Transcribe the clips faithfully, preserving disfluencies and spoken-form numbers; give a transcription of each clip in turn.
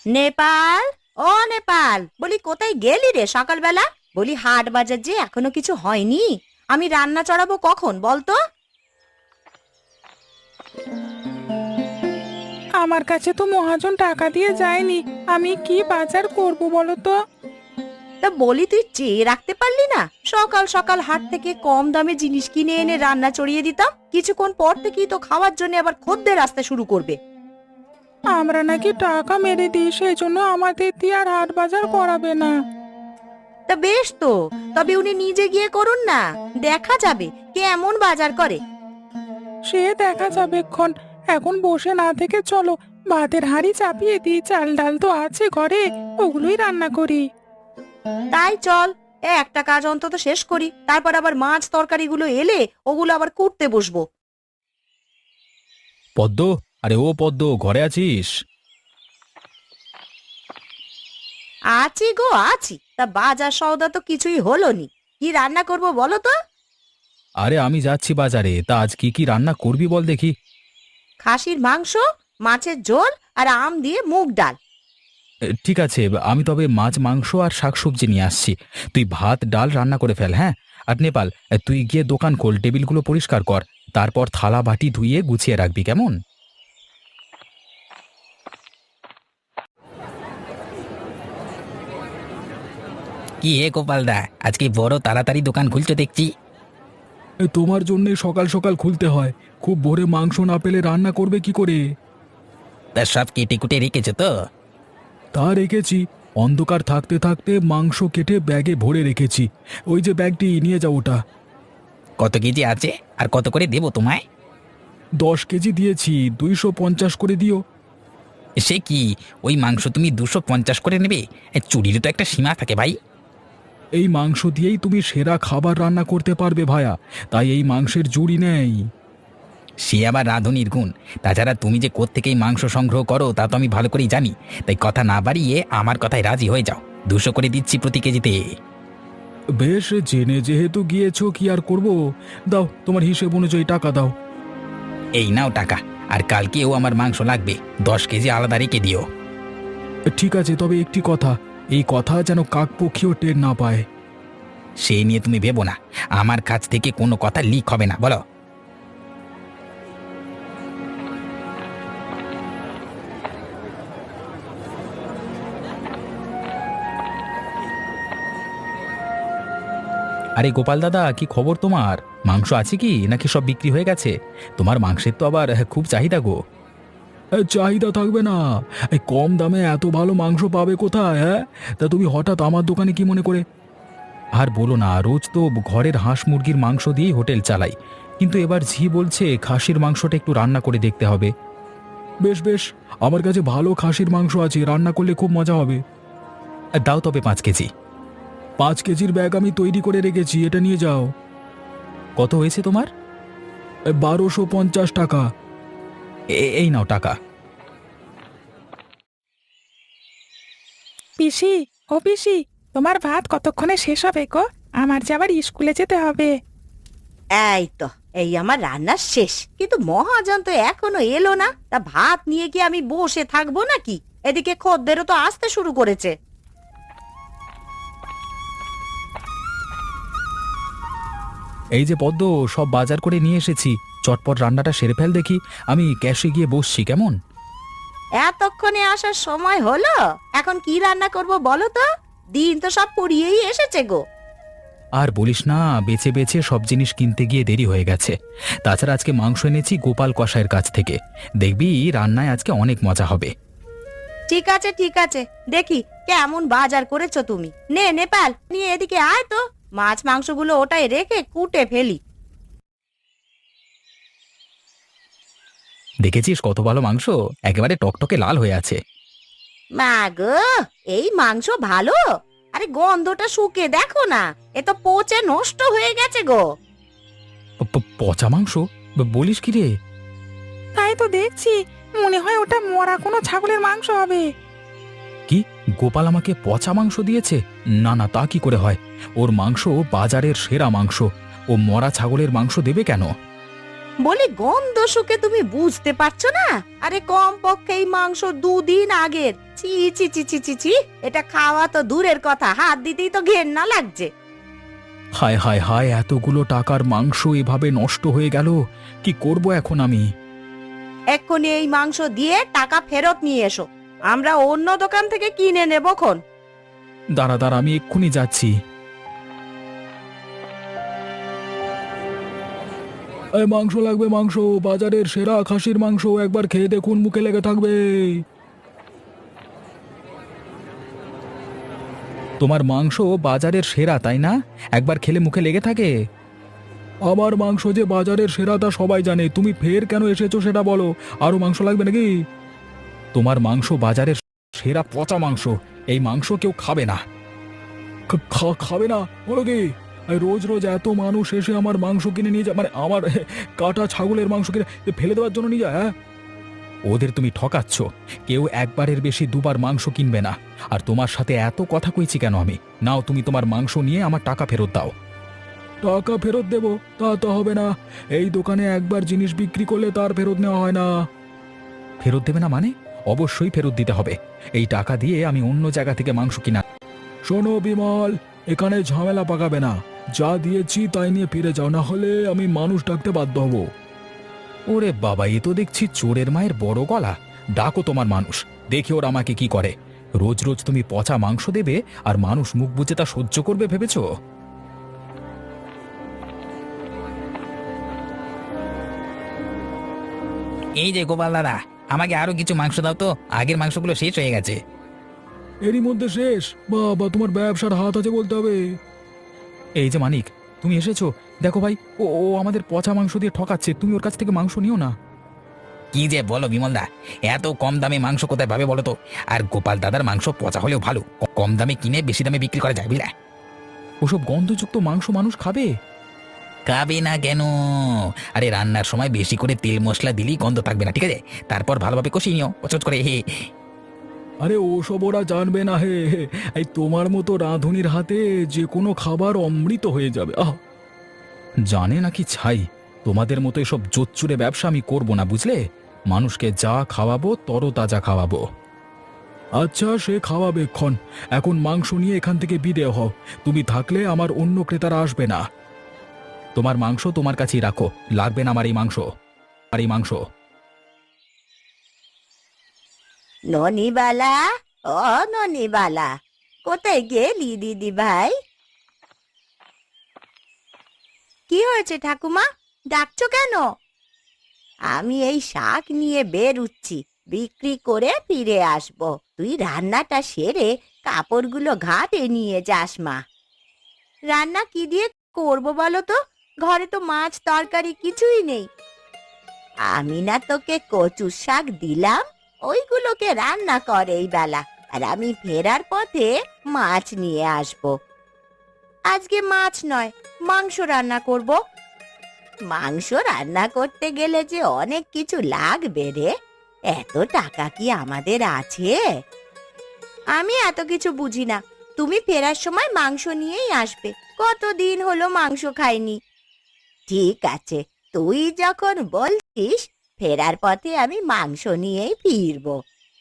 নেপাল, ও নেপাল, বলি কোথায় গেলি রে সকালবেলা? বলি হাট বাজার যে এখনো কিছু হয়নি। আমি রান্না চড়াবো কখন বলতো? আমার কাছে তো মহাজন টাকা দিয়ে যায়নি। আমি কি বাজার করব বলো তো? তা বলি তুই চেয়ে রাখতে পারলি না? সকাল সকাল হাট থেকে কম দামে জিনিস কিনে এনে রান্না চড়িয়ে দিতাম। কিছুক্ষণ পর থেকেই তো খাওয়ার জন্য আবার খদ্দের আসতে শুরু করবে। আমরা নাকি টাকা মেরে দিই, সেই জন্য আমাদের দিয়ে আর হাট বাজার করাবে না। তা বেশ তো, তবে উনি নিজে গিয়ে করুন না, দেখা যাবে কেমন বাজার করে। সে দেখা যাবে ক্ষণ। এখন বসে না থেকে চলো ভাতের হাঁড়ি চাপিয়ে দিই, চাল ডাল তো আছে ঘরে, ওগুলোই রান্না করি। তাই চল, এ একটা কাজ অন্তত শেষ করি, তারপর আবার মাছ তরকারিগুলো এলে ওগুলো আবার কুটতে বসবো। পদ্ম, আরে ও পদ্ম, ঘরে আছিস? আছি গো আছি, তা বাজার সওদা তো কিছুই হলো নি। কি রান্না করব বলো তো? আরে আমি যাচ্ছি বাজারে, তা আজ কি কি রান্না করবি বল দেখি। খাসির মাংস, মাছের ঝোল আর আম দিয়ে মুগ ডাল। এ, ঠিক আছে, আমি তবে মাছ মাংস আর শাকসবজি নিয়ে আসছি। তুই ভাত ডাল রান্না করে ফেল, হ্যাঁ? আর নেপাল, এ, তুই গিয়ে দোকান খোল, টেবিলগুলো পরিষ্কার কর, তারপর থালা বাটি ধুইয়ে গুছিয়ে রাখবি, কেমন? কি হে গোপালদা, আজকে বড় তাড়াতাড়ি দোকান খুলছো দেখছি। এ, তোমার জন্য সকাল সকাল খুলতে হয়। খুব ভোরে মাংস না পেলে রান্না করবে কি করে? তা সব কেটে কুটে রেখেছো তো? তা রেখেছি, অন্ধকার থাকতে থাকতে মাংস কেটে ব্যাগে ভরে রেখেছি। ওই যে ব্যাগটি, নিয়ে যাও ওটা। কত কেজি আছে আর কত করে দেবো তোমায়? দশ কেজি দিয়েছি, দুইশো পঞ্চাশ করে দিও। সে কি, ওই মাংস তুমি দুশো পঞ্চাশ করে নেবে? এ, চুরিরও তো একটা সীমা থাকে ভাই। এই মাংস দিয়েই তুমি সেরা খাবার রান্না করতে পারবে ভায়া, তাই এই মাংসের জুড়ি নেই। সে আবার রাঁধুনির গুণ। তাছাড়া তুমি যে কোত্থেকেই মাংস সংগ্রহ করো তা তো আমি ভালো করেই জানি। তাই কথা না বাড়িয়ে আমার কথায় রাজি হয়ে যাও, দুশো করে দিচ্ছি প্রতি কেজিতে। বেশ, জেনে যেহেতু গিয়েছো কি আর করব। দাও, তোমার হিসেব অনুযায়ী টাকা দাও। এই নাও টাকা, আর কালকেও আমার মাংস লাগবে, দশ কেজি আলাদা রেখে দিও। ঠিক আছে, তবে একটি কথা, এই কথা যেন কাকপক্ষীও টের না পায়। সে নিয়ে তুমি ভেবো না, আমার কাছ থেকে কোনো কথা লিক হবে না, বলো। আরে গোপাল দাদা, কি খবর তোমার? মাংস আছে কি, নাকি সব বিক্রি হয়ে গেছে? তোমার মাংসের তো আবার খুব চাহিদা গো। চাহিদা থাকবে না? এই কম দামে এত ভালো মাংস পাবে কোথায়? হ্যাঁ, তা তুমি হঠাৎ আমার দোকানে কি মনে করে? আর বলো না, রোজ তো ঘরের হাঁস মুরগির মাংস দিয়েই হোটেল চালাই, কিন্তু এবার ঝি বলছে খাসির মাংসটা একটু রান্না করে দেখতে হবে। বেশ বেশ, আমার কাছে ভালো খাসির মাংস আছে, রান্না করলে খুব মজা হবে। দাও তবে পাঁচ কেজি। পাঁচ কেজির ব্যাগ আমি তৈরি করে রেখেছি, এটা নিয়ে যাও। কত হয়েছে তোমার? বারোশো পঞ্চাশ টাকা। এ- এই নাও টাকা। পিসি, ও পিসি, তোমার ভাত কতক্ষণে শেষ হবে গো? আমার যে আবার স্কুলে যেতে হবে। এই তো, এই আমার রান্না শেষ, কিন্তু মহাজন তো এখনো এলো না। তা ভাত নিয়ে কি আমি বসে থাকবো নাকি? এদিকে খদ্দেরও তো আসতে শুরু করেছে। এই যে পদ্ম, সব বাজার করে নিয়ে এসেছি, চটপট রান্নাটা সেরে ফেল দেখি। আমি ক্যাশে গিয়ে বসছি, কেমন? এতক্ষণে আসার সময় হলো, এখন কি রান্না করব বলো তো? দিন তো সব পুড়িয়েই এসেছে গো। আর বলিস না, বেছে বেছে সব জিনিস কিনতে গিয়ে দেরি হয়ে গেছে। তাছাড়া আজকে মাংস এনেছি গোপাল কসাইয়ের কাছ থেকে, দেখবি রান্নায় আজকে অনেক মজা হবে। ঠিক আছে ঠিক আছে, দেখি কেমন বাজার করেছো তুমি। নে নেপাল, নিয়ে এদিকে আয় তো, মাছ মাংসগুলো ওটাই রেখে কুটে ফেলি। দেখেছিস কত ভালো মাংস, একেবারে টকটকে লাল হয়ে আছে। মা গো, এই মাংস ভালো? আরে গন্ধটা শুকে দেখো না, এ তো পচে নষ্ট হয়ে গেছে গো। প- প- পচা মাংস? ব- বলিস কি রে? তাই তো দেখছি, মনে হয় ওটা মরা কোনো ছাগলের মাংস হবে। কি, গোপাল আমাকে পচা মাংস দিয়েছে? না না, তা কি করে হয়? ওর মাংস বাজারের সেরা মাংস, ও মরা ছাগলের মাংস দেবে কেন? বলি গন্ধ শুকে তুমি বুঝতে পারছো না? আরে কম পক্ষে এই মাংস দুদিন আগের। চি চি চি চি চি চি, এটা খাওয়া তো দূরের কথা, হাত দিতেই তো ঘেন্না লাগছে। হায় হায় হায়, এতগুলো টাকার মাংস এভাবে নষ্ট হয়ে গেল, কি করব এখন আমি? এক্ষুনি এই মাংস দিয়ে টাকা ফেরত নিয়ে এসো, আমরা অন্য দোকান থেকে কিনে নেব খন। দাঁড়া দাঁড়া, আমি এক্ষুনি যাচ্ছি। এই মাংস লাগবে, মাংস, বাজারের সেরা খাসির মাংস, একবার খেয়ে দেখুন, মুখে লেগে থাকবে। তোমার মাংস বাজারের সেরা, তাই না? একবার খেলে মুখে লেগে থাকে। আমার মাংস যে বাজারের সেরা তা সবাই জানে, তুমি ফের কেন এসেছো সেটা বলো। আরো মাংস লাগবে নাকি? তোমার মাংস বাজারের সেরা পচা মাংস, এই মাংস কেউ খাবে না। খাবে না বলো কি? এই রোজ রোজ এত মানুষ এসে আমার মাংস কিনে নিয়ে যায়, মানে আমার কাটা ছাগলের মাংস কিনে ফেলে দেওয়ার জন্য নিয়ে যায়। হ্যাঁ, ওদের তুমি ঠকাচ্ছ। কেউ একবারের বেশি দুবার মাংস কিনবে না। আর তোমার সাথে এত কথা কইছি কেন আমি? নাও, তুমি তোমার মাংস নিয়ে আমার টাকা ফেরত দাও। টাকা ফেরত দেব? তা তো হবে না। এই দোকানে একবার জিনিস বিক্রি করলে তার ফেরত নেওয়া হয় না। ফেরত দেবে না মানে? অবশ্যই ফেরত দিতে হবে। এই টাকা দিয়ে আমি অন্য জায়গা থেকে মাংস কিনা। শোনো বিমল, এখানে ঝামেলা পাকাবে না। যা দিয়েছি তাই নিয়ে ফিরে যাও, না হলে আমি মানুষ ডাকতে বাধ্য হব। ওরে বাবা, এ তো দেখছি চোরের মায়ের বড় গলা। ডাকো তোমার মানুষ, দেখি ওরা আমাকে কি করে। রোজ রোজ তুমি পচা মাংস দেবে আর মানুষ মুখ বুজে তা সহ্য করবে ভেবেছ? এই যে গোপাল দাদা, আমাকে আরো কিছু মাংস দাও তো, আগের মাংসগুলো শেষ হয়ে গেছে। এরই মধ্যে শেষ? বাবা, তোমার ব্যবসার হাত আছে বলতে হবে। এই যে মানিক, তুমি এসেছো। দেখো ভাই, ও ও আমাদের পচা মাংস দিয়ে ঠকাচ্ছে, তুমি ওর কাছ থেকে মাংস নিও না। কি যে বলো বিমলদা, এত কম দামে মাংস কোথায় পাবে বলো তো? আর গোপাল দাদার মাংস পচা হলেও ভালো, ক- কম দামে কিনে বেশি দামে বিক্রি করা যায় বুঝলে। ওসব গন্ধযুক্ত মাংস মানুষ খাবে? খাবে না কেন? আরে রান্নার সময় বেশি করে তেল মশলা দিলেই গন্ধ থাকবে না, ঠিক আছে? তারপর ভালোভাবে কষিয়ে নিও পচট করে। হে, আরে ওসব ওরা জানবে না হে। এই তোমার মতো রাঁধুনির হাতে যে কোনো খাবার অমৃত হয়ে যাবে। আহ, জানে নাকি ছাই, তোমাদের মতো এসব জোচ্চুরে ব্যবসা আমি করব না, বুঝলে? মানুষকে যা খাওয়াবো তরতাজা খাওয়াবো। আচ্ছা, সে খাওয়াবে ক্ষণ। এখন মাংস নিয়ে এখান থেকে বিদেয় হও। তুমি থাকলে আমার অন্য ক্রেতারা আসবে না। তোমার মাংস তোমার কাছেই রাখো, লাগবে না আমার এই মাংস। আর এই মাংস ননিবালা, ও ননিবালা, কোথায় গেলি দিদি ভাই? কি হয়েছে ঠাকুমা, ডাকছো কেন? আমি এই শাক নিয়ে বেরুচ্ছি, বিক্রি করে ফিরে আসবো। তুই রান্নাটা সেরে কাপড়গুলো ঘাটে নিয়ে যাস মা। রান্না কি দিয়ে করবো বলো তো? ঘরে তো মাছ তরকারি কিছুই নেই। আমি না তোকে কচুর শাক দিলাম, ওইগুলোকে রান্না কর এই বেলা, আর আমি ফেরার পথে মাছ নিয়ে আসবো। আজকে মাছ নয়, মাংস রান্না করব। মাংস রান্না করতে গেলে যে অনেক কিছু লাগবে রে, এত টাকা কি আমাদের আছে? আমি এত কিছু বুঝি না, তুমি ফেরার সময় মাংস নিয়েই আসবে। কতদিন হলো মাংস খাইনি। ঠিক আছে, তুই যখন বলছিস, ফেরার পথে আমি মাংস নিয়েই ফিরবো।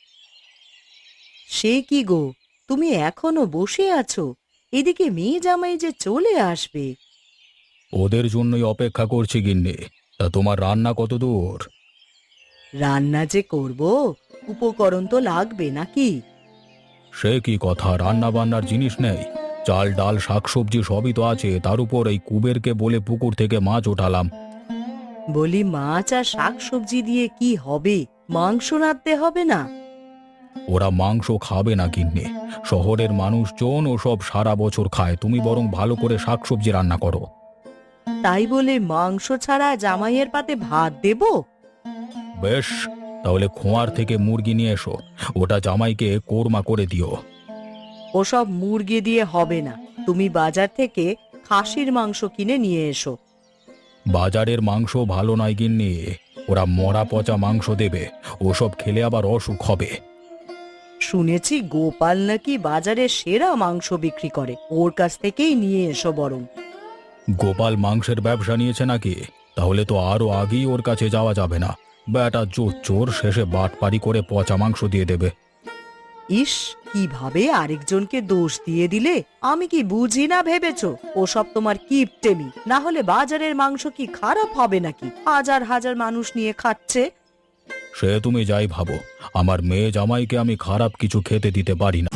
সে কি গো, তুমি এখনো বসে আছো? এদিকে মেয়ে জামাই যে চলে আসবে। ওদের জন্যই অপেক্ষা করছি গিন্নি। তা তোমার রান্না কত দূর? রান্না যে করব, উপকরণ তো লাগবে নাকি? সে কি কথা, রান্না বান্নার জিনিস নেই? চাল ডাল শাকসবজি সবই তো আছে, তার উপর এই কুবেরকে বলে পুকুর থেকে মাছ ওঠালাম। বলি মাছ আর শাক সবজি দিয়ে কি হবে? মাংস রাঁধতে হবে না? ওরা মাংস খাবে না গিন্নি, শহরের মানুষজন ওসব সারা বছর খায়। তুমি বরং ভালো করে শাকসবজি রান্না করো। তাই বলে মাংস ছাড়া জামাইয়ের পাতে ভাত দেব? বেশ, তাহলে খোঁয়ার থেকে মুরগি নিয়ে এসো, ওটা জামাইকে কোরমা করে দিও। ওসব মুরগি দিয়ে হবে না, তুমি বাজার থেকে খাসির মাংস কিনে নিয়ে এসো। বাজারের মাংস ভালো নয় গিন্নি, ওরা মরা পচা মাংস দেবে, ওসব খেলে আবার অসুখ হবে। শুনেছি গোপাল নাকি বাজারে সেরা মাংস বিক্রি করে, ওর কাছ থেকেই নিয়ে এসো বরং। গোপাল মাংসের ব্যবসা নিয়েছে নাকি? তাহলে তো আরো আগেই ওর কাছে যাওয়া যাবে না। বেটা জোর চোর শেষে বাটপারি করে পচা মাংস দিয়ে দেবে। ইস, কিভাবে আরেকজনকে দোষ দিয়ে দিলে! আমি কি বুঝি না ভেবেছো ওসব তোমার কিপটেমি? না হলে বাজারের মাংস কি খারাপ হবে নাকি? হাজার হাজার মানুষ নিয়ে খাচ্ছে। সে তুমি যাই ভাবো, আমার মেয়ে জামাইকে আমি খারাপ কিছু খেতে দিতে পারি না।